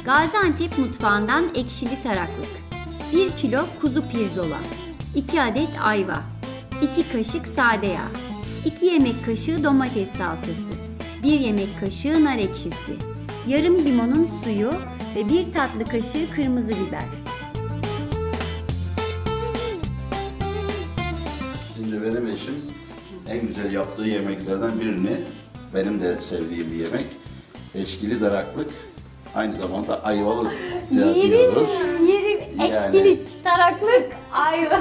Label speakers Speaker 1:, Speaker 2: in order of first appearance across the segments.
Speaker 1: Gaziantep mutfağından ekşili taraklık, 1 kilo kuzu pirzola, 2 adet ayva, 2 kaşık sade yağ, 2 yemek kaşığı domates salçası, 1 yemek kaşığı nar ekşisi, yarım limonun suyu ve 1 tatlı kaşığı kırmızı biber.
Speaker 2: Şimdi benim eşim en güzel yaptığı yemeklerden birini, benim de sevdiğim bir yemek, eşkili daraklık, aynı zamanda ayvalı diyoruz.
Speaker 1: Yerim, eşkilik, taraklık, ayva.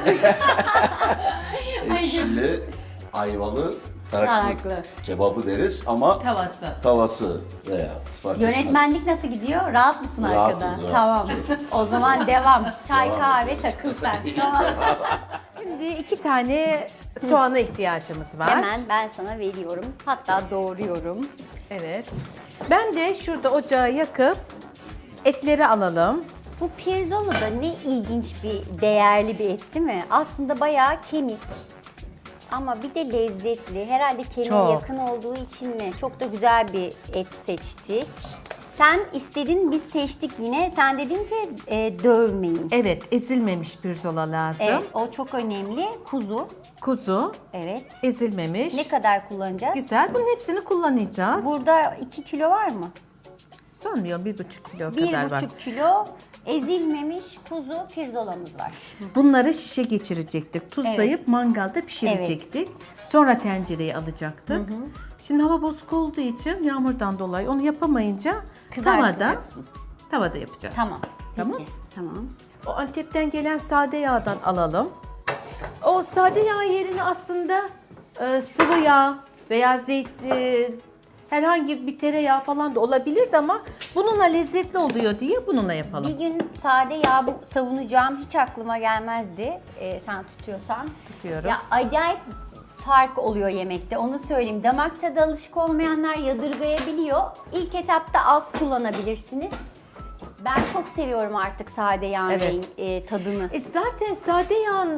Speaker 2: Ekşili, ayvalı taraklık
Speaker 1: Taraklı.
Speaker 2: kebabı deriz ama tavası veya fark etmez.
Speaker 1: Yönetmenlik nasıl gidiyor? Rahat mısın
Speaker 2: Rahatız,
Speaker 1: arkada?
Speaker 2: rahatız.
Speaker 1: Tamam. O zaman devam. Çay,
Speaker 2: Devam
Speaker 1: kahve
Speaker 2: ediyoruz.
Speaker 1: takıl sen. Tamam.
Speaker 3: Şimdi 2 tane soğana ihtiyacımız var.
Speaker 1: Hemen ben sana veriyorum. Hatta doğruyorum.
Speaker 3: Evet. Ben de şurada ocağı yakıp etleri alalım.
Speaker 1: Bu pirzola da ne ilginç bir, değerli bir et değil mi? Aslında bayağı kemik. Ama bir de lezzetli. Herhalde kemiğe
Speaker 3: Çok.
Speaker 1: yakın olduğu için mi? Çok da güzel bir et seçtik. Sen istedin, biz seçtik yine. Sen dedin ki dövmeyin.
Speaker 3: Evet, ezilmemiş pirzola lazım.
Speaker 1: Evet, o çok önemli. Kuzu.
Speaker 3: Kuzu,
Speaker 1: Evet.
Speaker 3: ezilmemiş.
Speaker 1: Ne kadar kullanacağız?
Speaker 3: Güzel. Bunun hepsini kullanacağız.
Speaker 1: Burada 2 kilo var mı?
Speaker 3: Sanmıyorum 1,5 kilo kadar var.
Speaker 1: 1,5 kilo ezilmemiş kuzu pirzolamız var.
Speaker 3: Bunları şişe geçirecektik. Tuzlayıp mangalda pişirecektik. Sonra tencereye alacaktık. Şimdi hava bozuk olduğu için yağmurdan dolayı onu yapamayınca
Speaker 1: Kızartacaksın.
Speaker 3: tavada yapacağız.
Speaker 1: Tamam.
Speaker 3: Tamam.
Speaker 1: Peki. Tamam.
Speaker 3: O Antep'ten gelen sade yağdan alalım. O sade yağ yerine aslında sıvı yağ veya herhangi bir tereyağı falan da olabilirdi ama bununla lezzetli oluyor diye bununla yapalım.
Speaker 1: Bir gün sade yağ savunacağım hiç aklıma gelmezdi. Sen tutuyorsan.
Speaker 3: Tutuyorum.
Speaker 1: Ya acayip fark oluyor yemekte, onu söyleyeyim. Damak tadı alışık olmayanlar yadırgayabiliyor. İlk etapta az kullanabilirsiniz. Ben çok seviyorum artık sade yağın tadını.
Speaker 3: Zaten sade yağın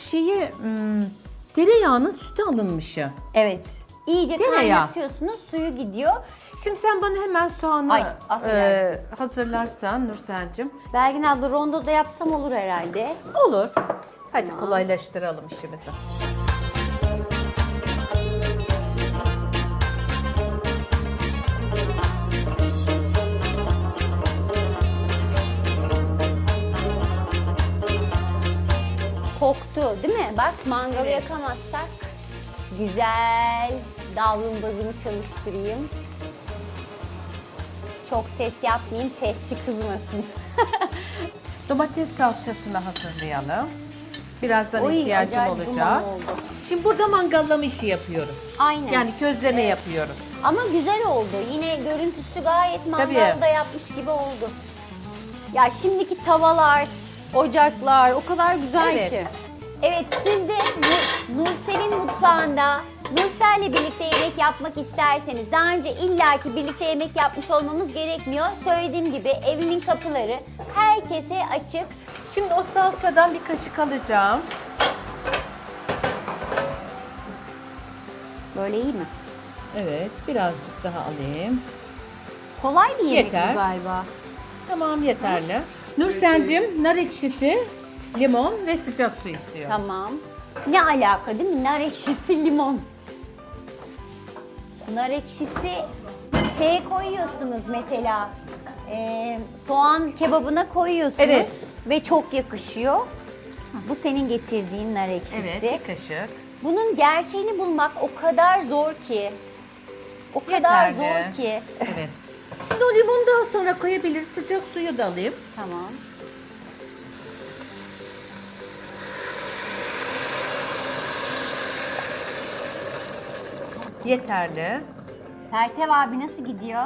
Speaker 3: tereyağının sütü alınmışı.
Speaker 1: Evet. İyice
Speaker 3: Tereyağı.
Speaker 1: kaynatıyorsunuz, suyu gidiyor.
Speaker 3: Şimdi sen bana hemen soğanı
Speaker 1: Ay, affedersin.
Speaker 3: hazırlarsan Nursen'cim.
Speaker 1: Belgin abla rondo da yapsam olur herhalde.
Speaker 3: Olur. Hadi kolaylaştıralım işimizi.
Speaker 1: Koktu değil mi? Bak mangalı yakamazsak güzel davlumbazımı çalıştırayım. Çok ses yapmayayım, sesçi kızmasın.
Speaker 3: Domates salçasını hazırlayalım. Birazdan
Speaker 1: Oy,
Speaker 3: ihtiyacım
Speaker 1: acayip
Speaker 3: olacak.
Speaker 1: duman oldu.
Speaker 3: Şimdi burada mangallama işi yapıyoruz.
Speaker 1: Aynen.
Speaker 3: Yani közleme yapıyoruz.
Speaker 1: Ama güzel oldu. Yine görüntüsü gayet
Speaker 3: Tabii.
Speaker 1: mangalda yapmış gibi oldu. Ya şimdiki tavalar, ocaklar o kadar güzel
Speaker 3: Evet.
Speaker 1: ki. Evet, siz de Nursel'in mutfağında Nursel'le birlikte yemek yapmak isterseniz, daha önce illaki birlikte yemek yapmış olmamız gerekmiyor. Söylediğim gibi evimin kapıları herkese açık.
Speaker 3: Şimdi o salçadan bir kaşık alacağım.
Speaker 1: Böyle iyi mi?
Speaker 3: Evet, birazcık daha alayım.
Speaker 1: Kolay bir yemek
Speaker 3: Yeter.
Speaker 1: bu galiba.
Speaker 3: Tamam, yeterli. Nursen'cim nar ekşisi, limon ve sıcak su istiyor.
Speaker 1: Tamam. Ne alaka değil mi? Nar ekşisi, limon. Nar ekşisi şeye koyuyorsunuz mesela. Soğan kebabına koyuyorsunuz.
Speaker 3: Evet.
Speaker 1: Ve çok yakışıyor. Bu senin getirdiğin nar ekşisi.
Speaker 3: Evet, bir kaşık.
Speaker 1: Bunun gerçeğini bulmak o kadar zor ki. O kadar
Speaker 3: Yeterli.
Speaker 1: zor ki.
Speaker 3: Evet. Şimdi o limonu daha sonra koyabilir. Sıcak suyu da alayım.
Speaker 1: Tamam.
Speaker 3: Yeterli.
Speaker 1: Pertev abi nasıl gidiyor?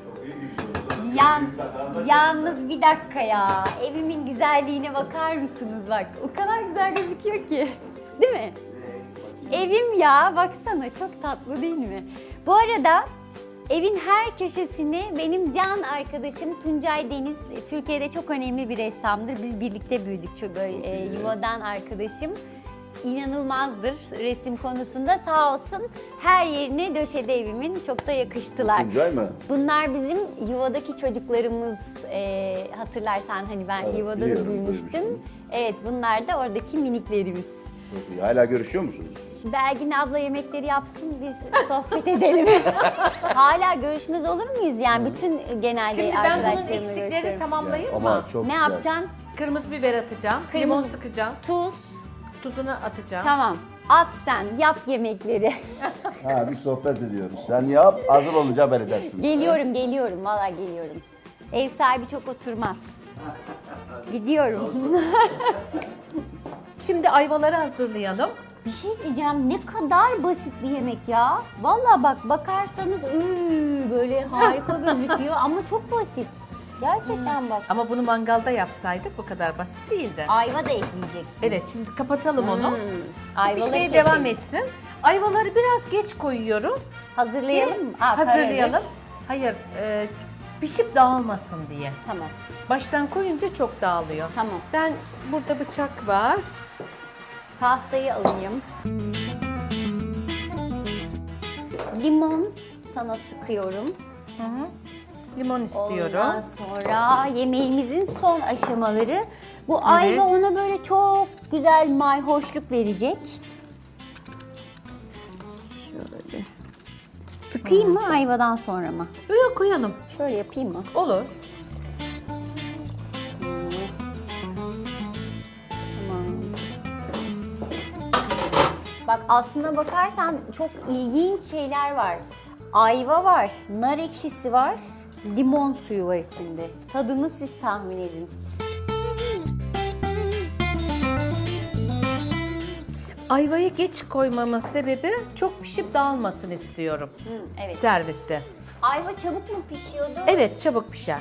Speaker 1: Yalnız bir dakika ya. Evimin güzelliğine bakar mısınız bak. O kadar güzel gözüküyor ki. Değil mi? Evim ya, baksana çok tatlı değil mi? Bu arada evin her köşesini benim can arkadaşım Tuncay Deniz, Türkiye'de çok önemli bir ressamdır. Biz birlikte büyüdük, çok böyle yuvadan arkadaşım. inanılmazdır resim konusunda. Sağ olsun her yerine döşedi evimin. Çok da yakıştılar.
Speaker 2: Tuncay mı?
Speaker 1: Bunlar bizim yuvadaki çocuklarımız. Hatırlarsan hani ben
Speaker 2: Evet,
Speaker 1: yuvada da
Speaker 2: biliyorum,
Speaker 1: büyümüştüm.
Speaker 2: duymuştum.
Speaker 1: Evet, bunlar da oradaki miniklerimiz.
Speaker 2: Çok iyi. Hala görüşüyor musunuz?
Speaker 1: Şimdi Belgin abla yemekleri yapsın, biz sohbet edelim. Hala görüşmez olur muyuz? Yani bütün genelde
Speaker 3: Şimdi ben bunun
Speaker 1: arkadaşlarımla
Speaker 3: eksiklerini
Speaker 1: görüşüyorum.
Speaker 3: tamamlayayım
Speaker 2: Ama
Speaker 3: mı?
Speaker 2: çok
Speaker 1: Ne
Speaker 2: güzel.
Speaker 1: yapacaksın?
Speaker 3: Kırmızı biber atacağım,
Speaker 1: Kırmızı-
Speaker 3: limon sıkacağım,
Speaker 1: Tuz.
Speaker 3: tuzunu atacağım.
Speaker 1: Tamam. At sen, yap yemekleri.
Speaker 2: Ha, bir sohbet ediyoruz. Sen yap, hazır olunca haber edersin.
Speaker 1: Geliyorum. Vallahi geliyorum. Ev sahibi çok oturmaz. Gidiyorum.
Speaker 3: Şimdi ayvaları hazırlayalım.
Speaker 1: Bir şey diyeceğim, ne kadar basit bir yemek ya. Vallahi bak, bakarsanız böyle harika gözüküyor ama çok basit. Gerçekten bak.
Speaker 3: Ama bunu mangalda yapsaydık bu kadar basit değildi.
Speaker 1: Ayva da ekleyeceksin.
Speaker 3: Evet, şimdi kapatalım onu.
Speaker 1: Ayvaları
Speaker 3: Pişmeye
Speaker 1: keselim.
Speaker 3: devam etsin. Ayvaları biraz geç koyuyorum.
Speaker 1: Hazırlayalım mı?
Speaker 3: Hazırlayalım.
Speaker 1: kararır.
Speaker 3: Hayır, pişip dağılmasın diye.
Speaker 1: Tamam.
Speaker 3: Baştan koyunca çok dağılıyor.
Speaker 1: Tamam.
Speaker 3: Ben burada bıçak var.
Speaker 1: Tahtayı alayım. Limon sana sıkıyorum.
Speaker 3: Limon istiyorum.
Speaker 1: Ondan sonra yemeğimizin son aşamaları. Bu ayva ona böyle çok güzel mayhoşluk verecek. Şöyle. Sıkayım mı ayvadan sonra mı?
Speaker 3: Böyle koyalım.
Speaker 1: Şöyle yapayım mı?
Speaker 3: Olur.
Speaker 1: Bak aslına bakarsan çok ilginç şeyler var. Ayva var, nar ekşisi var, limon suyu var içinde. Tadını siz tahmin edin.
Speaker 3: Ayvayı geç koymamın sebebi çok pişip dağılmasın istiyorum
Speaker 1: Evet.
Speaker 3: serviste.
Speaker 1: Ayva çabuk mu pişiyordu?
Speaker 3: Evet, çabuk pişer.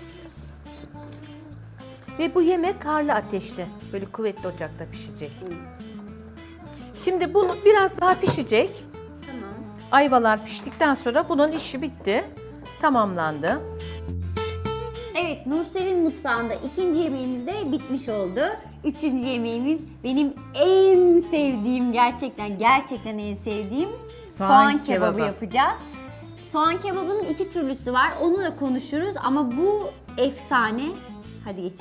Speaker 3: Ve bu yemek harlı ateşte, böyle kuvvetli ocakta pişecek. Şimdi bunu biraz daha pişecek.
Speaker 1: Tamam.
Speaker 3: Ayvalar piştikten sonra bunun işi bitti. Tamamlandı.
Speaker 1: Evet, Nursel'in mutfağında ikinci yemeğimiz de bitmiş oldu. Üçüncü yemeğimiz benim en sevdiğim, gerçekten en sevdiğim soğan kebabı
Speaker 3: kebabı.
Speaker 1: yapacağız. Soğan kebabının iki türlüsü var, onu da konuşuruz ama bu efsane. Hadi geçelim.